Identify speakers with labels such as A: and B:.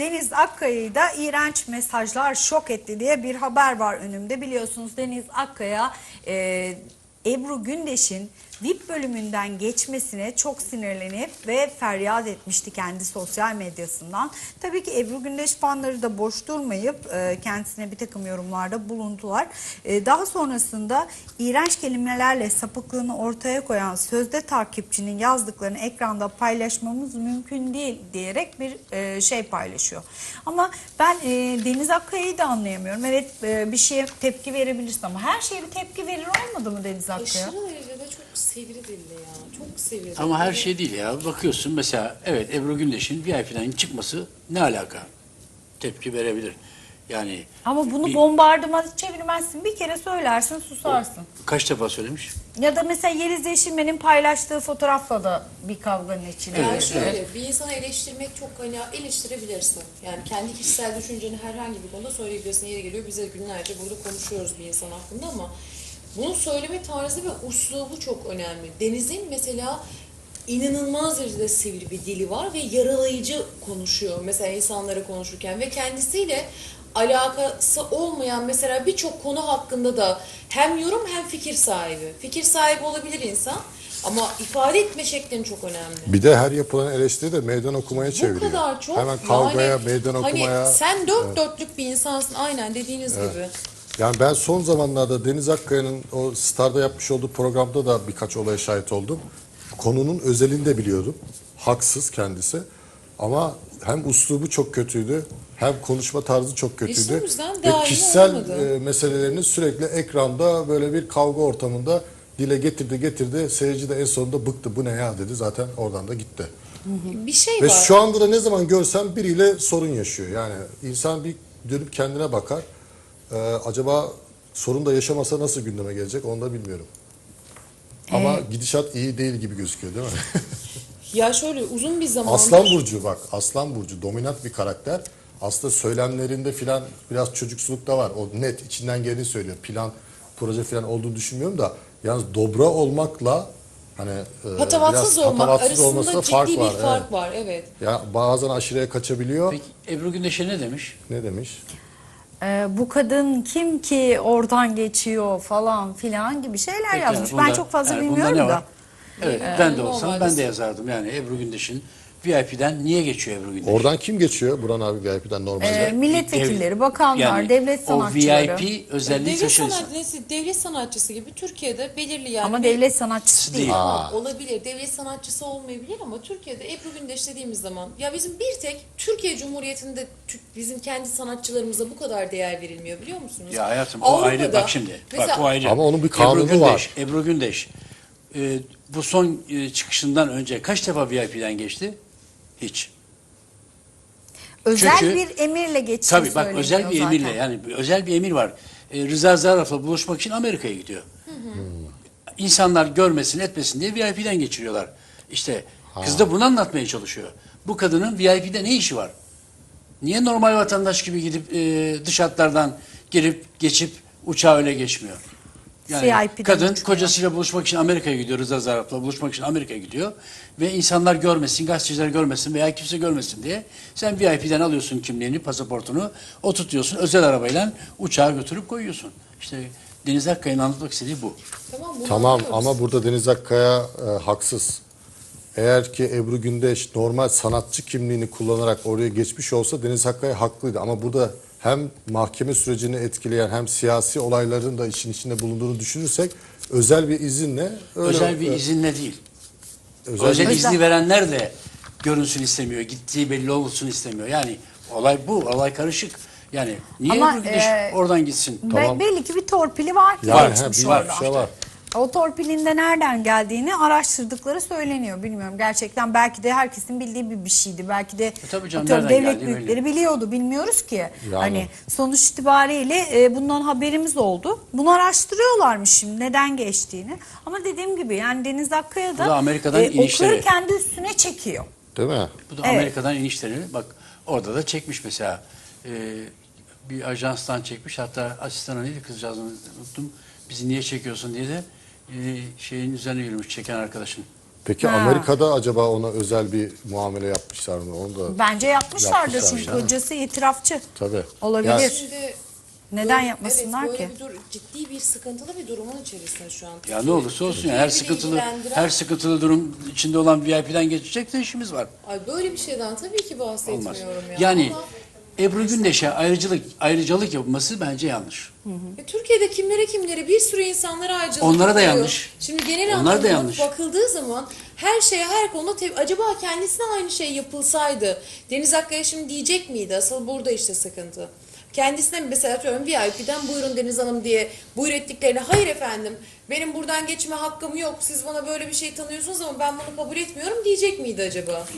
A: Deniz Akkaya'yı da iğrenç mesajlar şok etti diye bir haber var önümde. Biliyorsunuz Deniz Akkaya Ebru Gündeş'in VIP bölümünden geçmesine çok sinirlenip ve feryat etmişti kendi sosyal medyasından. Tabii ki Ebru Gündeş fanları da boş durmayıp kendisine bir takım yorumlarda bulundular. Daha sonrasında iğrenç kelimelerle sapıklığını ortaya koyan sözde takipçinin yazdıklarını ekranda paylaşmamız mümkün değil diyerek bir şey paylaşıyor. Ama ben Deniz Akkaya'yı da anlayamıyorum. Evet, bir şeye tepki verebilirsin ama her şeye bir tepki verir olmadı mı Deniz Akkaya?
B: Aşırı derecede çok sivri dilli ya. Çok sivri.
C: Ama her şey değil ya. Bakıyorsun mesela evet Ebru Gündeş'in VIP'den çıkması ne alaka? Tepki verebilir. Yani
A: Ama bunu bombardımana çevirmezsin. Bir kere söylersin, susarsın.
C: kaç defa söylemiş?
A: Ya da mesela Yeliz Yeşilmen'in paylaştığı fotoğrafla da bir kavganın içine
B: Yani
A: girdi.
B: şöyle bir insanı eleştirmek çok hani eleştirebilirsin. Yani kendi kişisel düşünceni herhangi bir konuda söyleyebilirsin. Yeri geliyor bize günlerce burada konuşuyoruz bir insan hakkında ama bunu söyleme tarzı ve uslubu çok önemli. Deniz'in mesela inanılmaz derecede sivri bir dili var ve yaralayıcı konuşuyor mesela insanlara konuşurken ve kendisiyle alakası olmayan mesela birçok konu hakkında da hem yorum hem fikir sahibi. Fikir sahibi olabilir insan ama ifade etme şeklin çok önemli.
D: Bir de her yapılan eleştiri de meydan okumaya
B: Bu
D: çeviriyor.
B: kadar çok.
D: Hemen kavgaya,
B: yani,
D: meydan okumaya.
B: Hani sen dört dörtlük bir insansın aynen dediğiniz gibi.
D: Yani ben son zamanlarda Deniz Akkaya'nın o Star'da yapmış olduğu programda da birkaç olaya şahit oldum. Konunun özelini de biliyordum. Haksız kendisi. Ama hem üslubu çok kötüydü, hem konuşma tarzı çok kötüydü.
B: o yüzden
D: Ve
B: daimi
D: kişisel
B: olamadı.
D: meselelerini sürekli ekranda böyle bir kavga ortamında dile getirdi. Seyirci de en sonunda bıktı. Bu ne ya dedi. Zaten oradan da gitti.
B: Bir şey
D: Ve
B: var.
D: şu anda da ne zaman görsem biriyle sorun yaşıyor. Yani insan bir dönüp kendine bakar. Acaba sorun da yaşamasa nasıl gündeme gelecek onu da bilmiyorum. Ama gidişat iyi değil gibi gözüküyor değil mi?
B: Ya şöyle uzun bir zamandır.
D: Aslan Burcu bak. Aslan Burcu dominant bir karakter. Aslında söylemlerinde filan biraz çocuksuluk da var. O net içinden geleni söylüyor. Plan, proje filan olduğunu düşünmüyorum da. Yalnız dobra olmakla hani
B: Patavatsız
D: biraz
B: olmak
D: patavatsız olmasında
B: arasında ciddi
D: fark
B: bir
D: var.
B: fark
D: Evet.
B: var evet.
D: Ya bazen aşırıya kaçabiliyor.
C: Peki Ebru Gündeş'e ne demiş?
D: Ne demiş?
A: Bu kadın kim ki oradan geçiyor falan filan gibi şeyler
C: Peki
A: yazmış.
C: yani
A: Ben
C: bunda-
A: çok fazla
C: yani bunda
A: bilmiyorum
C: ne
A: da.
C: var? Evet ben de olsam
B: normalde
C: ben de yazardım. Yani Ebru Gündeş'in VIP'den niye geçiyor Ebru Gündeş?
D: Oradan kim geçiyor? Burhan abi VIP'den normalde.
A: Milletvekilleri, bakanlar, devlet sanatçıları.
C: O VIP özelliği taşır insan.
B: Devlet sanatçısı gibi Türkiye'de belirli yani.
A: Ama devlet sanatçısı değil.
C: Değil.
B: Tamam, olabilir. Devlet sanatçısı olmayabilir ama Türkiye'de Ebru Gündeş dediğimiz zaman ya bizim bir tek Türkiye Cumhuriyeti'nde bizim kendi sanatçılarımıza bu kadar değer verilmiyor biliyor musunuz?
C: Ya hayatım o
B: Avrupa'da
C: ayrı bak şimdi.
B: mesela,
C: Bak o ayrı.
D: Ama onun bir kanunu
C: Ebru Gündeş,
D: var.
C: Ebru Gündeş bu son çıkışından önce kaç defa VIP'den geçti? Hiç.
A: Özel
C: Çünkü-
A: bir emirle geçtiği
C: Tabii bak
A: söyleniyor
C: özel bir
A: zaten.
C: emirle yani özel bir emir var. Rıza Zarrab'la buluşmak için Amerika'ya gidiyor. İnsanlar görmesin etmesin diye VIP'den geçiriyorlar. İşte kız da bunu anlatmaya çalışıyor. Bu kadının VIP'de ne işi var? Niye normal vatandaş gibi gidip dış hatlardan girip geçip uçağı öyle geçmiyor? Yani
A: CIP'den
C: kadın
A: uçmuyor.
C: kocasıyla buluşmak için Amerika'ya gidiyor. Rıza Zarrab'la buluşmak için Amerika'ya gidiyor. Ve insanlar görmesin, gazeteciler görmesin veya kimse görmesin diye sen VIP'den alıyorsun kimliğini, pasaportunu, oturtuyorsun özel arabayla uçağa götürüp koyuyorsun. İşte Deniz Akkaya'nın anlatmak istediği bu.
B: Tamam, bunu
D: Tamam
B: anlıyoruz.
D: ama burada Deniz Akkaya haksız. Eğer ki Ebru Gündeş normal sanatçı kimliğini kullanarak oraya geçmiş olsa Deniz Akkaya haklıydı. Ama burada hem mahkeme sürecini etkileyen hem siyasi olayların da işin içinde bulunduğunu düşünürsek özel bir izinle öyle,
C: Özel bir izinle değil.
D: özel
C: Özel
D: bir-
C: izni verenler de görünsün istemiyor. Gittiği belli olsun istemiyor. Yani olay bu. Olay karışık. Yani niye
A: Ama,
C: Ebru Gündeş oradan gitsin?
A: Belli ki bir torpili var ki
D: Yani
A: geçmiş
D: bir
A: orada.
D: şey var.
A: O torpilin de nereden geldiğini araştırdıkları söyleniyor. Bilmiyorum gerçekten belki de herkesin bildiği bir şeydi. Belki de
C: tabii canım,
A: atıyorum
C: nereden
A: devlet
C: geldiği
A: büyükleri
C: belli.
A: biliyordu. Bilmiyoruz ki.
D: Yani.
A: Hani sonuç itibariyle bundan haberimiz oldu. Bunu araştırıyorlarmış şimdi neden geçtiğini. Ama dediğim gibi yani Deniz Akkaya
C: Bu da
A: da
C: Amerika'dan inişleri.
A: okları kendi üstüne çekiyor.
D: Değil mi?
C: Bu da
A: Evet.
C: Amerika'dan inişlerini bak orada da çekmiş mesela. Bir ajanstan çekmiş. Hatta asistanı neydi kızcağızını unuttum. Bizi niye çekiyorsun diye de şeyin üzerine yürümüş çeken arkadaşın.
D: Peki
A: Ha.
D: Amerika'da acaba ona özel bir muamele yapmışlar mı? Onu da
A: Bence yapmışlardır
D: Yapmışlar,
A: çünkü
D: değil mi?
A: kocası itirafçı.
D: tabii.
A: Olabilir.
D: Ya,
B: Şimdi
A: Neden
B: böyle-
A: yapmasınlar
B: evet,
A: ki?
B: böyle ciddi bir sıkıntılı bir durumun içerisinde şu an.
C: Ya ne olursa olsun ya, her sıkıntılı durum içinde olan VIP'den geçecek de işimiz var.
B: Ay böyle bir şeyden tabii ki bahsetmiyorum
C: Olmaz.
B: ya.
C: Yani
B: Ama
C: Ebru Gündeş'e ayrıcalık yapılması bence yanlış.
B: Türkiye'de kimlere bir sürü insanlara ayrıcalık
C: Onlara da
B: yapılıyor.
C: yanlış.
B: Şimdi genel
C: Onlar da
B: anlamda
C: yanlış.
B: bakıldığı zaman her şeye her konuda acaba kendisine aynı şey yapılsaydı Deniz Akkaya şimdi diyecek miydi? Asıl burada işte sıkıntı. Kendisine mesela atıyorum VIP'den buyurun Deniz Hanım diye buyur ettiklerine hayır efendim benim buradan geçme hakkım yok siz bana böyle bir şey tanıyorsunuz ama ben bunu kabul etmiyorum diyecek miydi acaba?